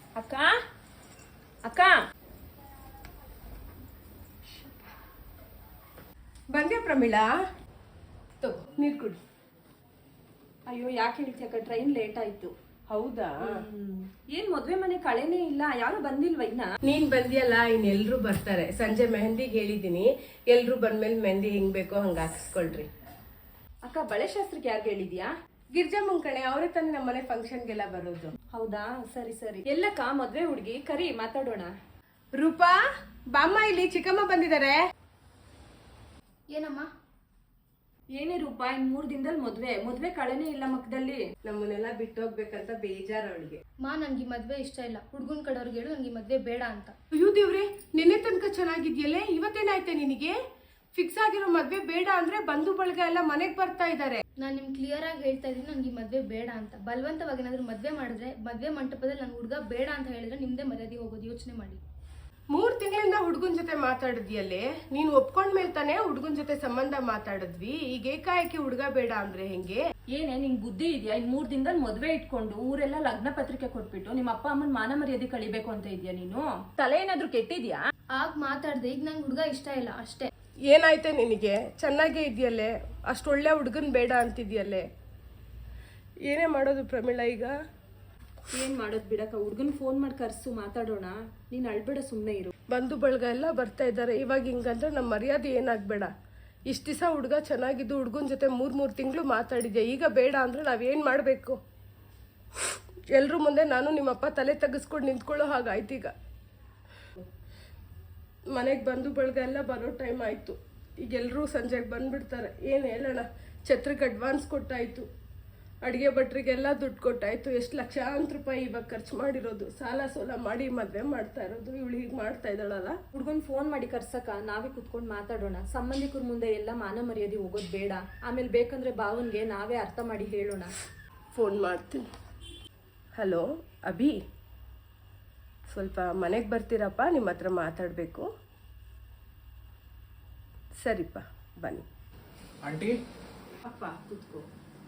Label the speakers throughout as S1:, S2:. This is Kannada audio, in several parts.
S1: ಅಕ್ಕ ಅಕ್ಕ
S2: ಬಂದ್ಯಾ ಪ್ರಮೀಳಾ? ತಗೋ ನೀರು ಕುಡಿ.
S1: ಅಯ್ಯೋ ಯಾಕೆ ಹೇಳ್ತಿ ಅಕ್ಕ, ಟ್ರೈನ್ ಲೇಟ್ ಆಯ್ತು.
S2: ಹೌದಾ?
S1: ಏನ್ ಮದ್ವೆ ಮನೆ ಕಳೆನೇ ಇಲ್ಲ, ಯಾರು ಬಂದಿಲ್ವ ಇನ್ನ?
S2: ನೀನ್ ಬಂದಿಯಲ್ಲ, ಇನ್ನೆಲ್ರು ಬರ್ತಾರೆ. ಸಂಜೆ ಮೆಹಂದಿಗೆ ಹೇಳಿದೀನಿ, ಎಲ್ರು ಬಂದ್ಮೇಲೆ ಮೆಹಂದಿ ಹೆಂಗ್ ಬೇಕೋ ಹಂಗ ಹಾಕಿಸ್ಕೊಳ್ರಿ.
S1: ಅಕ್ಕ ಬಳೆ ಶಾಸ್ತ್ರಕ್ಕೆ ಯಾರು ಹೇಳಿದ್ಯಾ?
S2: ಗಿರ್ಜಮ್ಮನ್ ಕಣೆ, ಅವರೇ ತಾನೇ ನಮ್ಮನೆ ಫಂಕ್ಷನ್ಗೆಲ್ಲ ಬರೋದು.
S1: ಹೌದಾ, ಸರಿ ಸರಿ. ಎಲ್ಲಕ್ಕ ಮದ್ವೆ ಹುಡುಗಿ ಕರಿ, ಮಾತಾಡೋಣ.
S2: ರೂಪಾ ಬಾಮ್ಮ, ಇಲ್ಲಿ ಚಿಕ್ಕಮ್ಮ ಬಂದಿದ್ದಾರೆ.
S3: ಏನಮ್ಮ?
S1: ಏನೇ ರೂಪಾ, ಇನ್ 3 ದಿನದಲ್ಲಿ ಮದ್ವೆ ಕಳೆನೇ ಇಲ್ಲ ಮಕ್ಕದಲ್ಲಿ.
S2: ನಮ್ಮನ್ನೆಲ್ಲ ಬಿಟ್ಟು ಹೋಗ್ಬೇಕಂತ ಬೇಜಾರ ಅವಳಿಗೆ.
S3: ನನ್ಗೆ ಮದ್ವೆ ಇಷ್ಟ ಇಲ್ಲ. ಹುಡ್ಗನ್ ಕಡೆಯವ್ರಿಗೆ ಹೇಳು ನನ್ಗೆ ಮದ್ವೆ ಬೇಡ ಅಂತ.
S2: ಅಯ್ಯೋ ದೇವ್ರೆ, ನಿನ್ನೆ ತನಕ ಚೆನ್ನಾಗಿದ್ಯಲ್ಲೇ, ಇವತ್ತೇನಾಯ್ತೆ ನಿನಗೆ? ಫಿಕ್ಸ್ ಆಗಿರೋ ಮದ್ವೆ ಬೇಡ ಅಂದ್ರೆ ಬಂಧು ಬಳಗ ಎಲ್ಲ ಮನೆಗ್ ಬರ್ತಾ ಇದ್ದಾರೆ.
S3: ನಾನು ನಿಮ್ಗೆ ಕ್ಲಿಯರ್ ಆಗಿ ಹೇಳ್ತಾ ಇದೀನಿ, ನನ್ಗೆ ಮದ್ವೆ ಬೇಡ ಅಂತ. ಬಲವಂತವಾಗಿ ಏನಾದ್ರು ಮದ್ವೆ ಮಾಡಿದ್ರೆ, ಮದ್ವೆ ಮಂಟಪದಲ್ಲಿ ನನ್ ಹುಡುಗ ಬೇಡ ಅಂತ ಹೇಳಿದ್ರೆ ನಿಮ್ದೇ ಮರ್ಯಾದೆ ಹೋಗೋದು. ಯೋಚನೆ ಮಾಡಿ.
S2: 3 ತಿಂಗಳಿಂದ ಹುಡುಗನ್ ಜೊತೆ ಮಾತಾಡಿದ್ಯಲ್ಲೇ, ನೀನ್ ಒಪ್ಕೊಂಡ್ಮೇಲೆ ತಾನೇ ಹುಡುಗನ್ ಜೊತೆ ಸಂಬಂಧ ಮಾತಾಡಿದ್ವಿ. ಈಗ ಏಕಾಏಕಿ ಹುಡುಗ ಬೇಡ ಅಂದ್ರೆ ಹೆಂಗೆ?
S1: ಏನೇ ನಿಂಗ್ ಬುದ್ಧಿ ಇದೆಯಾ? ಇನ್ 3 ದಿನದಲ್ಲಿ ಮದ್ವೆ ಇಟ್ಕೊಂಡು ಊರೆಲ್ಲ ಲಗ್ನ ಪತ್ರಿಕೆ ಕೊಟ್ಬಿಟ್ಟು ನಿಮ್ಮ ಅಪ್ಪ ಅಮ್ಮನ್ ಮಾನ ಮರ್ಯಾದೆ ಕಳಿಬೇಕು ಅಂತ ಇದೆಯಾ ನೀನು? ತಲೆ ಏನಾದ್ರು ಕೆಟ್ಟಿದ್ಯಾ?
S3: ಆಗ ಮಾತಾಡ್ದೆ, ಈಗ ನಂಗೆ ಹುಡುಗ ಇಷ್ಟ ಇಲ್ಲ ಅಷ್ಟೇ.
S2: ಏನಾಯ್ತೆ ನಿನಗೆ? ಚೆನ್ನಾಗೇ ಇದೆಯಲ್ಲೇ, ಅಷ್ಟೊಳ್ಳೆ ಹುಡುಗನ್ ಬೇಡ ಅಂತಿದ್ಯಲ್ಲೇ. ಏನೇ ಮಾಡೋದು ಪ್ರಮೀಳಾ ಈಗ?
S1: ಏನ್ ಮಾಡೋದ್ ಬಿಡಕ್ಕ, ಹುಡ್ಗನ್ ಫೋನ್ ಮಾಡಿ ಕರ್ಸು, ಮಾತಾಡೋಣ. ನೀನ್ ಅಳ್ಬೇಡ, ಸುಮ್ನೆ ಇರು.
S2: ಬಂಧು ಬಳಗ ಎಲ್ಲ ಬರ್ತಾ ಇದ್ದಾರೆ. ಇವಾಗ ಹಿಂಗಂದ್ರೆ ನಮ್ಮ ಮರ್ಯಾದೆ ಏನಾಗ್ಬೇಡ. ಇಷ್ಟ ದಿವಸ ಹುಡುಗ ಚೆನ್ನಾಗಿದ್ದು ಹುಡುಗನ ಜೊತೆ 3 ತಿಂಗಳು ಮಾತಾಡಿದ್ದೆ, ಈಗ ಬೇಡ ಅಂದ್ರೆ ನಾವೇನ್ ಮಾಡ್ಬೇಕು? ಎಲ್ರ ಮುಂದೆ ನಾನು ನಿಮ್ಮಪ್ಪ ತಲೆ ತೆಗೆಸ್ಕೊಂಡು ನಿಂತ್ಕೊಳ್ಳೋ ಹಾಗಾಯ್ತು. ಈಗ ಮನೆಗೆ ಬಂಧು ಬಳಗ ಎಲ್ಲ ಬರೋ ಟೈಮ್ ಆಯ್ತು. ಈಗ ಎಲ್ಲರೂ ಸಂಜೆಗೆ ಬಂದ್ಬಿಡ್ತಾರೆ. ಏನು ಹೇಳೋಣ, ಛತ್ರಕ್ಕೆ ಅಡ್ವಾನ್ಸ್ ಕೊಟ್ಟಾಯ್ತು, ಅಡುಗೆ ಭಟ್ರಿಗೆಲ್ಲ ದುಡ್ಡು ಕೊಟ್ಟಾಯ್ತು. ಎಷ್ಟು ಲಕ್ಷಾಂತರ ರೂಪಾಯಿ ಇವಾಗ ಖರ್ಚು ಮಾಡಿರೋದು. ಸಾಲ ಸೋಲ ಮಾಡಿ ಮದುವೆ ಮಾಡ್ತಾ ಇರೋದು. ಇವಳು ಹೀಗೆ ಮಾಡ್ತಾ ಇದ್ದಾಳಲ್ಲ.
S1: ಹುಡ್ಗನ್ ಫೋನ್ ಮಾಡಿ ಕರ್ಸಕ್ಕ, ನಾವೇ ಕುತ್ಕೊಂಡು ಮಾತಾಡೋಣ. ಸಂಬಂಧಿಕರ ಮುಂದೆ ಎಲ್ಲ ಮಾನ ಮರ್ಯಾದೆ ಹೋಗೋದು ಬೇಡ. ಆಮೇಲೆ ಬೇಕಂದ್ರೆ ಭಾವನ್ಗೆ ನಾವೇ ಅರ್ಥ ಮಾಡಿ ಹೇಳೋಣ.
S2: ಫೋನ್ ಮಾಡ್ತೀನಿ. ಹಲೋ ಅಭಿ, ಸ್ವಲ್ಪ ಮನೆಗೆ ಬರ್ತೀರಪ್ಪ, ನಿಮ್ಮ ಹತ್ರ ಮಾತಾಡಬೇಕು. ಸರಿಪ್ಪ ಬನ್ನಿ.
S4: ಆಂಟಿ
S2: ಅಪ್ಪ ಕೂತ್ಕೋ.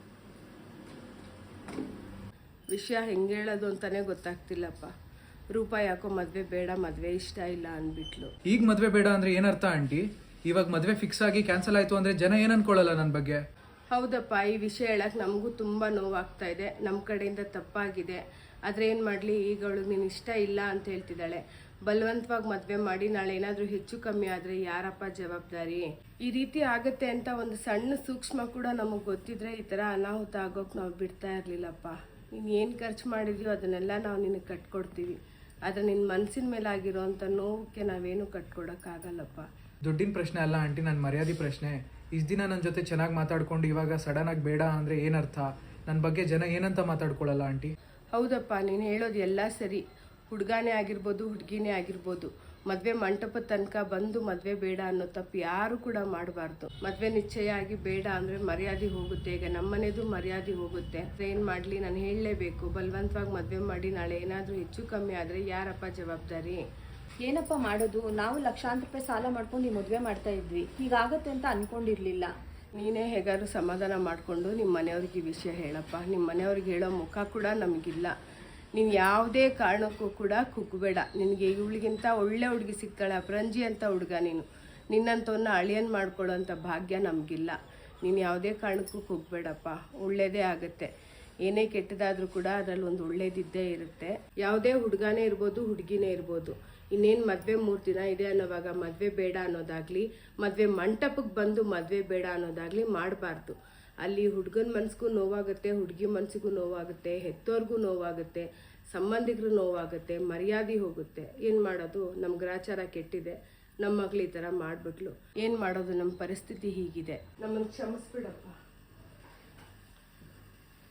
S2: ವಿಷಯ ಹೆಂಗೆ ಹೇಳೋದು ಅಂತಾನೆ ಗೊತ್ತಾಗ್ತಿಲ್ಲಪ್ಪ. ರೂಪಾ ಯಾಕೋ ಮದುವೆ ಬೇಡ, ಮದುವೆ ಇಷ್ಟ ಇಲ್ಲ ಅಂದ್ಬಿಟ್ಲು.
S4: ಈಗ ಮದುವೆ ಬೇಡ ಅಂದ್ರೆ ಏನರ್ಥ ಆಂಟಿ? ಇವಾಗ ಮದುವೆ ಫಿಕ್ಸ್ ಆಗಿ ಕ್ಯಾನ್ಸಲ್ ಆಯ್ತು ಅಂದ್ರೆ ಜನ ಏನ್ ಅನ್ಕೊಳ್ಳಲ್ಲ ನನ್ನ ಬಗ್ಗೆ?
S2: ಹೌದಪ್ಪ, ಈ ವಿಷಯ ಹೇಳಕ್ಕೆ ನಮಗೂ ತುಂಬ ನೋವಾಗ್ತಾ ಇದೆ. ನಮ್ಮ ಕಡೆಯಿಂದ ತಪ್ಪಾಗಿದೆ. ಆದರೆ ಏನು ಮಾಡಲಿ, ಈಗ ಅವಳು ನೀನು ಇಷ್ಟ ಇಲ್ಲ ಅಂತ ಹೇಳ್ತಿದ್ದಾಳೆ. ಬಲವಂತವಾಗಿ ಮದುವೆ ಮಾಡಿ ನಾಳೆ ಏನಾದರೂ ಹೆಚ್ಚು ಕಮ್ಮಿ ಆದರೆ ಯಾರಪ್ಪ ಜವಾಬ್ದಾರಿ? ಈ ರೀತಿ ಆಗುತ್ತೆ ಅಂತ ಒಂದು ಸಣ್ಣ ಸೂಕ್ಷ್ಮ ಕೂಡ ನಮಗೆ ಗೊತ್ತಿದ್ರೆ ಈ ಥರ ಅನಾಹುತ ಆಗೋಕೆ ನಾವು ಬಿಡ್ತಾ ಇರಲಿಲ್ಲಪ್ಪ. ನೀನು ಏನು ಖರ್ಚು ಮಾಡಿದ್ಯೋ ಅದನ್ನೆಲ್ಲ ನಾವು ನಿನಗೆ ಕಟ್ಕೊಡ್ತೀವಿ. ಆದರೆ ನಿನ್ನ ಮನಸ್ಸಿನ ಮೇಲೆ ಆಗಿರೋವಂಥ ನೋವಕ್ಕೆ ನಾವೇನು ಕಟ್ಕೊಡೋಕ್ಕಾಗಲ್ಲಪ್ಪ.
S4: ದುಡ್ಡಿನ ಪ್ರಶ್ನೆ ಅಲ್ಲ ಆಂಟಿ, ನನ್ನ ಮರ್ಯಾದೆ ಪ್ರಶ್ನೆ. ಇಷ್ಟು ದಿನ ನನ್ನ ಜೊತೆ ಚೆನ್ನಾಗಿ ಮಾತಾಡ್ಕೊಂಡು ಇವಾಗ ಸಡನ್ ಆಗಿ ಬೇಡ ಅಂದರೆ ಏನರ್ಥ? ನನ್ನ ಬಗ್ಗೆ ಜನ ಏನಂತ ಮಾತಾಡ್ಕೊಳ್ಳಲ್ಲ ಆಂಟಿ?
S2: ಹೌದಪ್ಪ, ನೀನು ಹೇಳೋದು ಎಲ್ಲ ಸರಿ. ಹುಡುಗಾನೇ ಆಗಿರ್ಬೋದು, ಹುಡುಗಿನೇ ಆಗಿರ್ಬೋದು, ಮದುವೆ ಮಂಟಪದ ತನಕ ಬಂದು ಮದುವೆ ಬೇಡ ಅನ್ನೋ ತಪ್ಪು ಯಾರು ಕೂಡ ಮಾಡಬಾರ್ದು. ಮದುವೆ ನಿಶ್ಚಯ ಆಗಿ ಬೇಡ ಅಂದರೆ ಮರ್ಯಾದೆ ಹೋಗುತ್ತೆ. ಈಗ ನಮ್ಮನೆದು ಮರ್ಯಾದೆ ಹೋಗುತ್ತೆ. ಏನು ಮಾಡಲಿ, ನಾನು ಹೇಳಲೇಬೇಕು. ಬಲವಂತವಾಗಿ ಮದುವೆ ಮಾಡಿ ನಾಳೆ ಏನಾದರೂ ಹೆಚ್ಚು ಕಮ್ಮಿ ಆದರೆ ಯಾರಪ್ಪ ಜವಾಬ್ದಾರಿ?
S1: ಏನಪ್ಪ ಮಾಡೋದು? ನಾವು ಲಕ್ಷಾಂತರ ರೂಪಾಯಿ ಸಾಲ ಮಾಡ್ಕೊಂಡು ಈ ಮದುವೆ ಮಾಡ್ತಾ ಇದ್ವಿ. ಹೀಗಾಗತ್ತೆ ಅಂತ ಅನ್ಕೊಂಡಿರ್ಲಿಲ್ಲ.
S2: ನೀನೇ ಹೇಗಾದ್ರು ಸಮಾಧಾನ ಮಾಡಿಕೊಂಡು ನಿಮ್ಮ ಮನೆಯವ್ರಿಗೆ ಈ ವಿಷಯ ಹೇಳಪ್ಪ. ನಿಮ್ಮ ಮನೆಯವ್ರಿಗೆ ಹೇಳೋ ಮುಖ ಕೂಡ ನಮಗಿಲ್ಲ. ನೀನು ಯಾವುದೇ ಕಾರಣಕ್ಕೂ ಕೂಡ ಕುಗ್ಬೇಡ. ನಿನಗೆ ಇವಳಿಗಿಂತ ಒಳ್ಳೆ ಹುಡುಗಿ ಸಿಗ್ತಾಳೆ, ಅಪರಂಜಿ ಅಂತ ಹುಡುಗ. ನಿನ್ನಂಥವನ್ನ ಅಳಿಯನ್ ಮಾಡ್ಕೊಳ್ಳೋಂಥ ಭಾಗ್ಯ ನಮಗಿಲ್ಲ. ನೀನು ಯಾವುದೇ ಕಾರಣಕ್ಕೂ ಕುಗ್ಬೇಡಪ್ಪ, ಒಳ್ಳೇದೇ ಆಗುತ್ತೆ. ಏನೇ ಕೆಟ್ಟದಾದರೂ ಕೂಡ ಅದರಲ್ಲಿ ಒಂದು ಒಳ್ಳೇದಿದ್ದೇ ಇರುತ್ತೆ. ಯಾವುದೇ ಹುಡುಗನೇ ಇರ್ಬೋದು, ಹುಡುಗಿನೇ ಇರ್ಬೋದು. ಇನ್ನೇನು ಮದುವೆ 3 ದಿನ ಇದೆ ಅನ್ನೋವಾಗ ಮದುವೆ ಬೇಡ ಅನ್ನೋದಾಗಲಿ, ಮದುವೆ ಮಂಟಪಕ್ಕೆ ಬಂದು ಮದುವೆ ಬೇಡ ಅನ್ನೋದಾಗಲಿ ಮಾಡಬಾರ್ದು. ಅಲ್ಲಿ ಹುಡುಗನ ಮನಸ್ಸಿಗೂ ನೋವಾಗುತ್ತೆ, ಹುಡುಗಿ ಮನಸ್ಸಿಗೂ ನೋವಾಗುತ್ತೆ, ಹೆತ್ತೋರ್ಗೂ ನೋವಾಗುತ್ತೆ, ಸಂಬಂಧಿಕರು ನೋವಾಗುತ್ತೆ, ಮರ್ಯಾದೆ ಹೋಗುತ್ತೆ. ಏನು ಮಾಡೋದು? ನಮ್ಮ ಗ್ರಾಚಾರ ಕೆಟ್ಟಿದೆ. ನಮ್ಮ ಮಗಳು ಈ ಥರ ಮಾಡಿಬಿಟ್ಲು. ಏನು ಮಾಡೋದು? ನಮ್ಮ ಪರಿಸ್ಥಿತಿ ಹೀಗಿದೆ. ನಮ್ಮನ್ನು ಕ್ಷಮಿಸ್ಬಿಡಪ್ಪ.